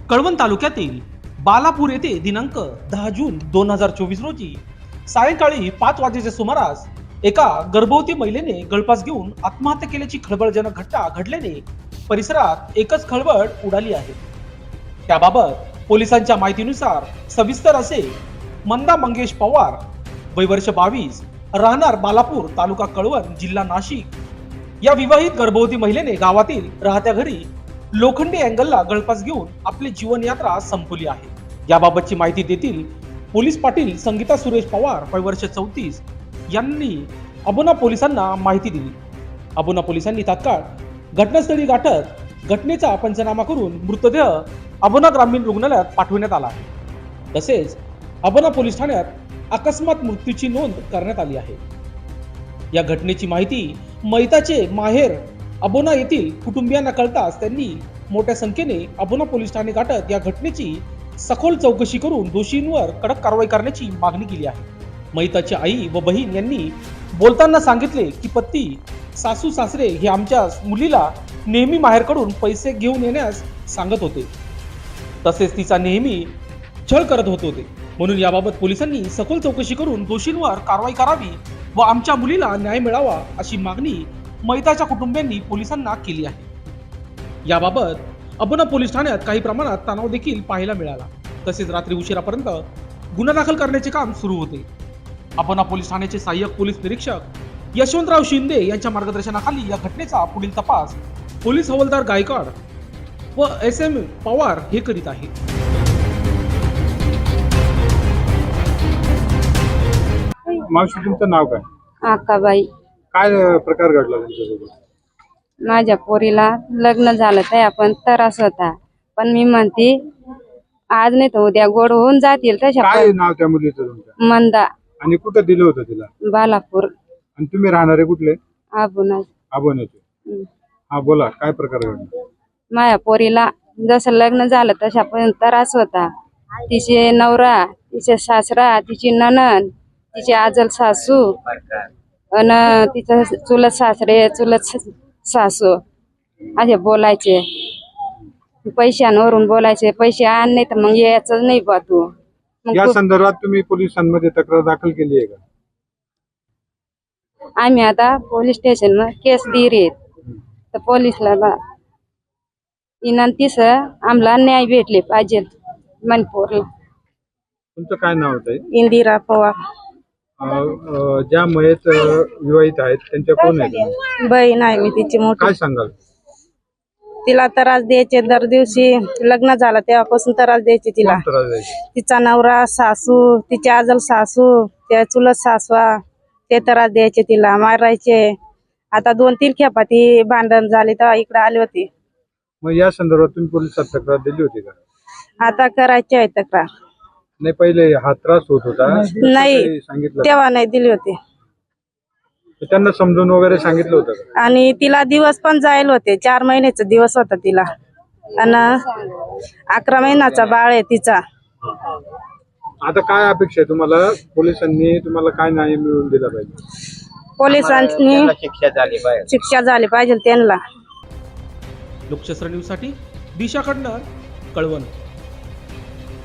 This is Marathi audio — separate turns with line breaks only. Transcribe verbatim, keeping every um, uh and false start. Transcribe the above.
कळवण तालुक्यातील बालापूर येथे दिनांक दहा जून दोन हजार चोवीस रोजी सायंकाळी पाच वाजेच्या सुमारास एका गर्भवती महिलेने गळफास घेऊन आत्महत्या केल्याची खळबळजनक घटना घडल्याने परिसरात एकच खळबळ उडाली आहे। त्याबाबत पोलिसांच्या माहितीनुसार सविस्तर असे मंदा मंगेश पवार, वय वर्ष बावीस, राहणार बालापूर, तालुका कळवण, जिल्हा नाशिक, या विवाहित गर्भवती महिलेने गावातील राहत्या घरी लोखंडी अँगलला गळफास घेऊन आपली जीवन यात्रा संपवली आहे। याबाबतची माहिती देतील पोलीस पाटील संगीता सुरेश पवार, वय वर्ष चौतीस, यांनी अबोना पोलिसांना माहिती दिली। अबोना पोलिसांनी तात्काळ घटनास्थळी गाठत घटनेचा पंचनामा करून मृतदेह अबोना ग्रामीण रुग्णालयात पाठवण्यात आला आहे। तसेच अबोना पोलीस ठाण्यात अकस्मात मृत्यूची नोंद करण्यात आली आहे। या घटनेची माहिती मैताचे माहेर अबोना येथील कुटुंबियांना कळताच त्यांनी मोठ्या संख्येने अबोना पोलीस ठाणे गाठत या घटनेची सखोल चौकशी करून दोषींवर कडक कारवाई करण्याची मागणी केली आहे। मैताची आई व बहीण यांनी बोलताना सांगितले की पती, सासू सासरे हे आमच्या मुलीला नेहमी माहेरकडून पैसे घेऊन येण्यास सांगत होते, तसेच तिचा नेहमी छळ करत होते, म्हणून याबाबत पोलिसांनी सखोल चौकशी करून दोषींवर कारवाई करावी व आमच्या मुलीला न्याय मिळावा अशी मागणी मैताच्या कुटुंबियांनी पोलिसांना केली आहे। याबाबत अबोना पोलीस ठाण्यात काही प्रमाणात तणाव देखील पाहायला मिळाला। तसेच रात्री उशिरापर्यंत गुन्हा दाखल करण्याचे काम सुरू होते। अबोना पोलीस ठाण्याचे सहाय्यक पोलीस निरीक्षक यशवंतराव शिंदे यांच्या मार्गदर्शनाखाली या घटनेचा पुढील तपास पोलीस हवालदार गायकवाड व एस एम पवार हे करीत आहेत।
मावशी, तुमचं नाव काय?
आकाबाई।
काय प्रकार घडला तुमच्यासोबत?
माझ्या पोरीला लग्न झालं तर आपण त्रास होता, पण मी म्हणते आज नाही तर उद्या गोड होऊन जातील तशा।
काय नाव त्या मुलीचं तुमच्या?
मंदा।
आणि कुठं दिलं होतं तिला?
बालापूर।
आणि तुम्ही राहणारे कुठले?
आबोना।
आबोन्याचे। हा, बोला, काय प्रकार घडला?
माझ्या पोरीला जसं लग्न झालं तशा पण त्रास होता। तिचे नवरा, तिचे सासरा, तिची नणंद, तिची आजल सासू आणि तिचं चुलत सासरे, चुलत सासू असे बोलायचे, पैशांवरून बोलायचे, पैसे आण नाही तर मग यायचं नाही बा तू।
या संदर्भात तुम्ही पोलिसांमध्ये तक्रार दाखल केली आहे का?
आम्ही आता पोलीस स्टेशन मध्ये केस दिली तर पोलीसला विनंतीस आम्हाला न्याय भेटले पाहिजे। मनपूरला।
तुमचं काय नाव होतं?
इंदिरा पवार।
ज्या मयत विवाहित आहेत त्यांच्या कोण आहेत?
बहीण आहे मी तिची मोठी।
काय सांगाल?
तिला त्रास द्यायचे, दर दिवशी लग्न झालं तेव्हापासून त्रास द्यायचे तिला।
कोण त्रास द्यायचे?
तिचा नवरा, सासू, तिची आजल सासू, त्या चुलत सासवा, ते त्रास द्यायचे तिला, मारायचे। आता दोन तीन खेपा ती भांडण झाली तेव्हा इकडे आली होती।
मग या संदर्भात तुम्ही पोलिसात तक्रार दिली होती का?
आता करायची आहे तक्रार।
नाही, पहिले हा त्रास होत होता
नाही,
सांगितलं
तेव्हा नाही दिली होती।
त्यांना समजून वगैरे सांगितलं होतं का?
आणि तिला दिवस पण जायला होते, चार महिन्याचा दिवस होता तिला, आणि अकरा महिन्याचा बाळ आहे तिचा।
आता काय अपेक्षा आहे तुम्हाला? पोलिसांनी तुम्हाला काय न्याय मिळवून दिला पाहिजे?
पोलिसांनी
शिक्षा झाली पाहिजे
शिक्षा झाली पाहिजे त्यांना।
लोकशास्त्र न्यूज साठी दिशा कडणार, कळवण।